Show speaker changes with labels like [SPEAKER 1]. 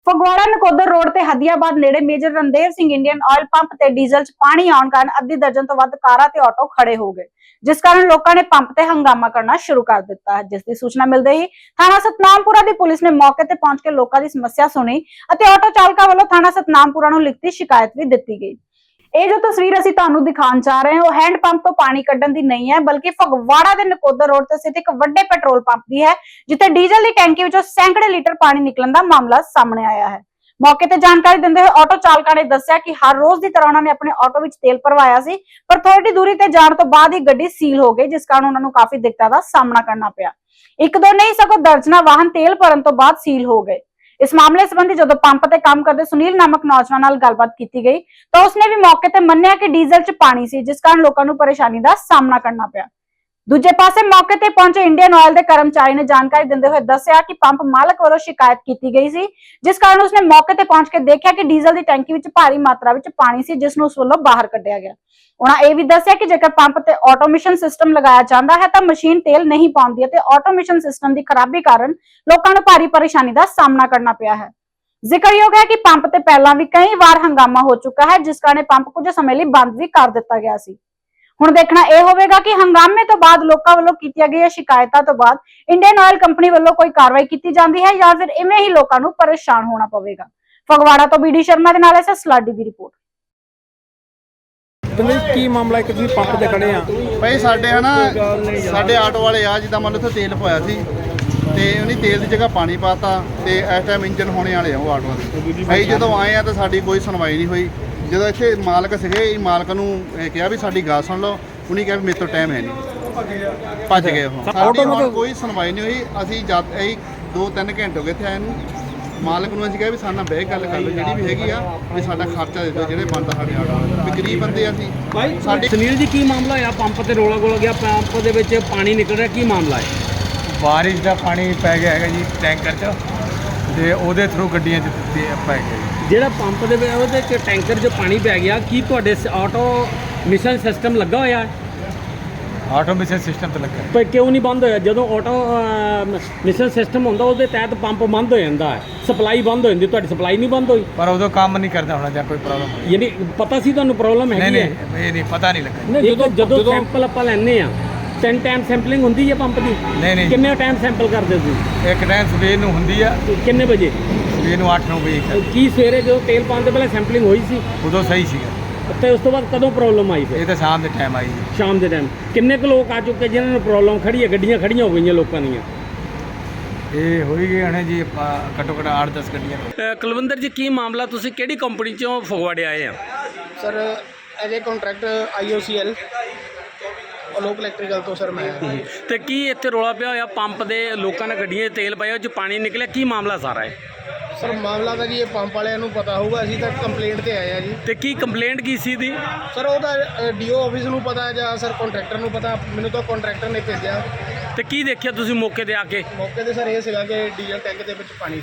[SPEAKER 1] Phagwara Nakodar road ਤੇ ਹਦੀਆਬਾਦ ਨੇੜੇ major Randhir Singh Indian oil pump ਤੇ ਡੀਜ਼ਲ 'ਚ ਪਾਣੀ ਆਉਣ ਕਾਰਨ ਅੱਧੀ ਦਰਜਨ ਤੋਂ ਵੱਧ ਕਾਰਾਂ ਤੇ ਆਟੋ ਖੜੇ ਹੋ ਗਏ, ਜਿਸ ਕਾਰਨ ਲੋਕਾਂ ਨੇ ਪੰਪ ਤੇ ਹੰਗਾਮਾ ਕਰਨਾ ਸ਼ੁਰੂ ਕਰ ਦਿੱਤਾ ਹੈ। ਜਿਸ ਦੀ ਸੂਚਨਾ ਮਿਲਦੇ ਹੀ ਥਾਣਾ ਸਤਨਾਮਪੁਰਾ ਦੀ ਪੁਲਿਸ ਨੇ ਮੌਕੇ ਤੇ ਪਹੁੰਚ ਕੇ ਲੋਕਾਂ ਦੀ ਸਮੱਸਿਆ ਸੁਣੀ ਅਤੇ ਆਟੋ ਚਾਲਕਾਂ ਵੱਲੋਂ ਥਾਣਾ ਸਤਨਾਮਪੁਰਾ ਨੂੰ ਲਿਖਤੀ ਸ਼ਿਕਾਇਤ ਵੀ ਦਿੱਤੀ ਗਈ। ਇਹ ਜੋ ਤਸਵੀਰ ਅਸੀਂ ਤੁਹਾਨੂੰ ਦਿਖਾਉਣ ਜਾ ਰਹੇ ਹਾਂ ਉਹ ਹੈਂਡ ਪੰਪ ਤੋਂ ਪਾਣੀ ਕੱਢਣ ਦੀ ਨਹੀਂ ਹੈ, ਬਲਕਿ ਫਗਵਾੜਾ ਦੇ ਨਕੋਦਰ ਰੋਡ ਤੇ ਸਥਿਤ ਇੱਕ ਵੱਡੇ ਪੈਟਰੋਲ ਪੰਪ ਦੀ ਹੈ, ਜਿੱਥੇ ਡੀਜ਼ਲ ਦੀ ਟੈਂਕੀ ਵਿੱਚੋਂ ਸੈਂਕੜੇ ਲੀਟਰ ਪਾਣੀ ਨਿਕਲਣ ਦਾ ਮਾਮਲਾ ਸਾਹਮਣੇ ਆਇਆ ਹੈ। ਮੌਕੇ ਤੇ ਜਾਣਕਾਰੀ ਦਿੰਦੇ ਹੋਏ ਆਟੋ ਚਾਲਕਾਂ ਨੇ ਦੱਸਿਆ ਕਿ ਹਰ ਰੋਜ਼ ਦੀ ਤਰ੍ਹਾਂ ਉਹਨਾਂ ਨੇ ਆਪਣੇ ਆਟੋ ਵਿੱਚ ਤੇਲ ਭਰਵਾਇਆ ਸੀ, ਪਰ ਥੋੜੀ ਦੂਰੀ ਤੇ ਜਾਣ ਤੋਂ ਬਾਅਦ ਹੀ ਗੱਡੀ ਸੀਲ ਹੋ ਗਈ, ਜਿਸ ਕਾਰਨ ਉਹਨਾਂ ਨੂੰ ਕਾਫੀ ਦਿੱਕਤਾਂ ਦਾ ਸਾਹਮਣਾ ਕਰਨਾ ਪਿਆ। ਇੱਕ ਦੋ ਨਹੀਂ ਸਗੋਂ ਦਰਜਨਾਂ ਵਾਹਨ ਤੇਲ ਭਰਨ ਤੋਂ ਬਾਅਦ ਸੀਲ ਹੋ ਗਏ। ਇਸ ਮਾਮਲੇ ਸੰਬੰਧੀ ਜਦੋਂ ਪੰਪ ਤੇ ਕੰਮ ਕਰਦੇ ਸੁਨੀਲ ਨਾਮਕ ਨੌਜਵਾਨ ਨਾਲ ਗੱਲਬਾਤ ਕੀਤੀ ਗਈ ਤਾਂ ਉਸਨੇ ਵੀ ਮੌਕੇ ਤੇ ਮੰਨਿਆ ਕਿ ਡੀਜ਼ਲ 'ਚ ਪਾਣੀ ਸੀ, ਜਿਸ ਕਾਰਨ ਲੋਕਾਂ ਨੂੰ ਪਰੇਸ਼ਾਨੀ ਦਾ ਸਾਹਮਣਾ ਕਰਨਾ ਪਿਆ। ਦੂਜੇ ਪਾਸੇ ਮੌਕੇ ਤੇ ਪਹੁੰਚੇ ਇੰਡੀਅਨ ਆਇਲ ਦੇ ਕਰਮਚਾਰੀ ਨੇ ਜਾਣਕਾਰੀ ਦਿੰਦੇ ਹੋਏ ਦੱਸਿਆ ਕਿ ਪੰਪ ਮਾਲਕ ਵੱਲੋਂ ਸ਼ਿਕਾਇਤ ਕੀਤੀ ਗਈ ਸੀ, ਜਿਸ ਕਾਰਨ ਉਸਨੇ ਮੌਕੇ ਤੇ ਪਹੁੰਚ ਕੇ ਦੇਖਿਆ ਕਿ ਡੀਜ਼ਲ ਦੀ ਟੈਂਕੀ ਵਿੱਚ ਭਾਰੀ ਮਾਤਰਾ ਵਿੱਚ ਪਾਣੀ ਸੀ, ਜਿਸ ਨੂੰ ਉਸ ਵੱਲੋਂ ਬਾਹਰ ਕੱਢਿਆ ਗਿਆ। ਉਹਨਾਂ ਇਹ ਵੀ ਦੱਸਿਆ ਕਿ ਜੇਕਰ ਪੰਪ ਤੇ ਆਟੋਮੇਸ਼ਨ ਸਿਸਟਮ ਲਗਾਇਆ ਜਾਂਦਾ ਹੈ ਤਾਂ ਮਸ਼ੀਨ ਤੇਲ ਨਹੀਂ ਪਾਉਂਦੀ ਅਤੇ ਆਟੋਮੇਸ਼ਨ ਸਿਸਟਮ ਦੀ ਖਰਾਬੀ ਕਾਰਨ ਲੋਕਾਂ ਨੂੰ ਭਾਰੀ ਪਰੇਸ਼ਾਨੀ ਦਾ ਸਾਹਮਣਾ ਕਰਨਾ ਪਿਆ ਹੈ। ਜ਼ਿਕਰਯੋਗ ਹੈ ਕਿ ਪੰਪ ਤੇ ਪਹਿਲਾਂ ਵੀ ਕਈ ਵਾਰ ਹੰਗਾਮਾ ਹੋ ਚੁੱਕਾ ਹੈ, ਜਿਸ ਕਾਰਨ ਪੰਪ ਕੁਝ ਸਮੇਂ ਲਈ ਬੰਦ ਵੀ ਕਰ ਦਿੱਤਾ ਗਿਆ ਸੀ। ਹੁਣ ਦੇਖਣਾ ਇਹ ਹੋਵੇਗਾ ਕਿ ਹੰਗਾਮੇ ਤੋਂ ਬਾਅਦ ਲੋਕਾਂ ਵੱਲੋਂ ਕੀਤੀਆਂ ਗਈਆਂ ਸ਼ਿਕਾਇਤਾਂ ਤੋਂ ਬਾਅਦ ਇੰਡੀਅਨ ਆਇਲ ਕੰਪਨੀ ਵੱਲੋਂ ਕੋਈ ਕਾਰਵਾਈ ਕੀਤੀ ਜਾਂਦੀ ਹੈ ਜਾਂ ਫਿਰ ਇਵੇਂ ਹੀ ਲੋਕਾਂ ਨੂੰ ਪਰੇਸ਼ਾਨ ਹੋਣਾ ਪਵੇਗਾ। ਫਗਵਾੜਾ ਤੋਂ ਬੀਡੀ ਸ਼ਰਮਾ ਦੇ ਨਾਲ ਐਸ ਸਲਾਡੀ ਦੀ ਰਿਪੋਰਟ।
[SPEAKER 2] ਕੀ ਮਾਮਲਾ ਹੈ ਕਿ ਤੁਸੀਂ ਪੰਪ ਤੇ ਖੜੇ ਆ?
[SPEAKER 3] ਭਾਈ ਸਾਡੇ ਆਟੋ ਵਾਲੇ ਆ, ਜਿੱਦਾਂ ਮੰਨ ਲਓ ਉੱਥੇ ਤੇਲ ਪਾਇਆ ਸੀ ਤੇ ਉਹਨੇ ਤੇਲ ਦੀ ਜਗ੍ਹਾ ਪਾਣੀ ਪਾਤਾ ਤੇ ਇਸ ਟਾਈਮ ਇੰਜਨ ਹੋਣੇ ਵਾਲੇ ਆ ਉਹ ਆਟੋ ਦੇ। ਭਾਈ ਜਦੋਂ ਆਏ ਆ ਤਾਂ ਸਾਡੀ ਕੋਈ ਸੁਣਵਾਈ ਨਹੀਂ ਹੋਈ। ਜਦੋਂ ਇੱਥੇ ਮਾਲਕ ਸੀਗੇ, ਮਾਲਕ ਨੂੰ ਕਿਹਾ ਵੀ ਸਾਡੀ ਗੱਲ ਸੁਣ ਲਓ, ਉਹਨੇ ਕਿਹਾ ਵੀ ਮੇਰੇ ਤੋਂ ਟਾਈਮ ਹੈ ਨਹੀਂ, ਭੱਜ ਗਏ ਉਹ। ਸਾਡੀ ਹੁਣ ਕੋਈ ਸੁਣਵਾਈ ਨਹੀਂ ਹੋਈ। ਅਸੀਂ ਜਦ ਇਹ 2-3 ਘੰਟੇ ਹੋ ਗਏ ਇੱਥੇ ਆਏ ਨੂੰ। ਮਾਲਕ ਨੂੰ ਅਸੀਂ ਕਿਹਾ ਵੀ ਸਾਡੇ ਨਾਲ ਬਹਿ ਗੱਲ ਕਰ ਲਓ, ਜਿਹੜੀ ਵੀ ਹੈਗੀ ਆ ਵੀ ਸਾਡਾ ਖਰਚਾ ਦੇ ਦਿਓ, ਜਿਹੜੇ ਬਣਦਾ ਸਾਡੇ ਆਟੋ ਵੀ ਗਰੀਬ ਬੰਦੇ ਆ ਅਸੀਂ।
[SPEAKER 2] ਸਾਡੇ ਸੁਨੀਲ ਜੀ ਕੀ ਮਾਮਲਾ ਆ? ਪੰਪ ਤੇ ਰੋਲਾ ਗੋਲਾ ਗਿਆ, ਪੰਪ ਦੇ ਵਿੱਚ ਪਾਣੀ ਨਿਕਲ ਰਿਹਾ, ਕੀ ਮਾਮਲਾ ਹੈ?
[SPEAKER 4] ਬਾਰਿਸ਼ ਦਾ ਪਾਣੀ ਪੈ ਗਿਆ ਹੈਗਾ ਜੀ ਟੈਂਕਰ 'ਚ ਤੇ ਉਹਦੇ ਥਰੂ ਗੱਡੀਆਂ 'ਚ ਪੈ ਗਿਆ ਜੀ।
[SPEAKER 2] ਜਿਹੜਾ ਪੰਪ ਦੇ ਵਿੱਚ ਉਹਦੇ 'ਚ ਟੈਂਕਰ 'ਚ ਪਾਣੀ ਪੈ ਗਿਆ, ਕੀ ਤੁਹਾਡੇ ਆਟੋ ਮਿਸ਼ਨ ਸਿਸਟਮ ਲੱਗਾ ਹੋਇਆ ਹੈ?
[SPEAKER 4] ਆਟੋਮੇਸ਼ਨ ਸਿਸਟਮ ਤੇ ਲੱਗਾ
[SPEAKER 2] ਪਰ ਕਿਉਂ ਨਹੀਂ ਬੰਦ ਹੋਇਆ? ਜਦੋਂ ਆਟੋ ਮਿਸ਼ਨ ਸਿਸਟਮ ਹੁੰਦਾ ਉਹਦੇ ਤਹਿਤ ਪੰਪ ਬੰਦ ਹੋ ਜਾਂਦਾ ਹੈ, ਸਪਲਾਈ ਬੰਦ ਹੋ ਜਾਂਦੀ। ਤੁਹਾਡੀ ਸਪਲਾਈ ਨਹੀਂ ਬੰਦ ਹੋਈ?
[SPEAKER 4] ਪਰ ਉਦੋਂ ਕੰਮ ਨਹੀਂ ਕਰਦਾ ਹੋਣਾ ਜਾਂ ਕੋਈ ਪ੍ਰੋਬਲਮ?
[SPEAKER 2] ਯਾਨੀ ਪਤਾ ਸੀ ਤੁਹਾਨੂੰ ਪ੍ਰੋਬਲਮ ਹੈਗੀ ਹੈ?
[SPEAKER 4] ਨਹੀਂ ਇਹ ਨਹੀਂ ਪਤਾ ਨਹੀਂ ਲੱਗਾ।
[SPEAKER 2] ਨਹੀਂ, ਜਦੋਂ ਸੈਂਪਲ ਆਪਾਂ ਲੈਂਦੇ ਆ 3 ਟਾਈਮ ਸੈਂਪਲਿੰਗ ਹੁੰਦੀ ਹੈ ਪੰਪ ਦੀ?
[SPEAKER 4] ਨਹੀਂ।
[SPEAKER 2] ਕਿੰਨੇ ਟਾਈਮ ਸੈਂਪਲ ਕਰਦੇ ਸੀ?
[SPEAKER 4] ਇੱਕ ਟਾਈਮ ਸਵੇਰ ਨੂੰ ਹੁੰਦੀ ਆ।
[SPEAKER 2] ਕਿੰਨੇ ਵਜੇ?
[SPEAKER 4] ਸਵੇਰ ਨੂੰ 8-9 ਵਜੇ।
[SPEAKER 2] ਕੀ ਸਵੇਰੇ ਜਦੋਂ ਤੇਲ ਪਾਉਣ ਤੋਂ ਪਹਿਲਾਂ ਸੈਂਪਲਿੰਗ ਹੋਈ ਸੀ?
[SPEAKER 4] ਉਦੋਂ ਸਹੀ ਸੀਗਾ।
[SPEAKER 2] ਤੇ ਉਸ ਤੋਂ ਬਾਅਦ ਕਦੋਂ ਪ੍ਰੋਬਲਮ ਆਈ? ਫਿਰ
[SPEAKER 4] ਇਹ ਤਾਂ ਸ਼ਾਮ ਦੇ ਟਾਈਮ ਆਈ ਜੀ।
[SPEAKER 2] ਸ਼ਾਮ ਦੇ ਟਾਈਮ ਕਿੰਨੇ ਕੁ ਲੋਕ ਆ ਚੁੱਕੇ ਜਿਨ੍ਹਾਂ ਨੂੰ ਪ੍ਰੋਬਲਮ ਖੜੀ ਹੈ? ਗੱਡੀਆਂ ਖੜੀਆਂ ਹੋ ਗਈਆਂ ਲੋਕਾਂ ਦੀਆਂ।
[SPEAKER 4] ਇਹ ਹੋਈ ਗਏ ਹਣੇ ਜੀ ਘੱਟੋ ਘੱਟ 8-10 ਗੱਡੀਆਂ।
[SPEAKER 2] ਕੁਲਵਿੰਦਰ ਜੀ ਕੀ ਮਾਮਲਾ? ਤੁਸੀਂ ਕਿਹੜੀ ਕੰਪਨੀ ਚੋਂ ਫਗਵਾੜੇ ਆਏ ਆ?
[SPEAKER 5] Sir as a contractor IOCL Lok electrical ਤੋਂ ਸਰ ਮੈਂ।
[SPEAKER 2] ਤੇ ਕੀ ਇੱਥੇ ਰੌਲਾ ਪਿਆ ਹੋਇਆ ਪੰਪ ਦੇ? ਲੋਕਾਂ ਨੇ ਗੱਡੀਆਂ 'ਚ ਤੇਲ ਪਾਇਆ, ਉਹ 'ਚ ਪਾਣੀ ਨਿਕਲਿਆ, ਕੀ ਮਾਮਲਾ ਸਾਰਾ ਹੈ?
[SPEAKER 5] ਸਰ ਮਾਮਲਾ ਤਾਂ ਜੀ ਇਹ ਪੰਪ ਵਾਲਿਆਂ ਨੂੰ ਪਤਾ ਹੋਊਗਾ, ਅਸੀਂ ਤਾਂ ਕੰਪਲੇਂਟ ਤੇ ਆਏ ਆ ਜੀ।
[SPEAKER 2] ਤੇ ਕੀ ਕੰਪਲੇਂਟ ਕੀ ਸੀ ਦੀ?
[SPEAKER 5] ਸਰ ਉਹ ਤਾਂ DO ਆਫਿਸ ਨੂੰ ਪਤਾ ਹੈ ਜਾਂ ਸਰ ਕੰਟਰੈਕਟਰ ਨੂੰ ਪਤਾ, ਮੈਨੂੰ ਤਾਂ ਕੰਟਰੈਕਟਰ ਨੇ ਭੇਜਿਆ।
[SPEAKER 2] ਤੇ ਕੀ ਦੇਖਿਆ ਤੁਸੀਂ ਮੌਕੇ ਤੇ ਆ ਕੇ?
[SPEAKER 5] ਮੌਕੇ ਤੇ ਸਰ ਇਹ ਸੀਗਾ ਕਿ ਡੀਜ਼ਲ ਟੈਂਕ ਦੇ ਵਿੱਚ ਪਾਣੀ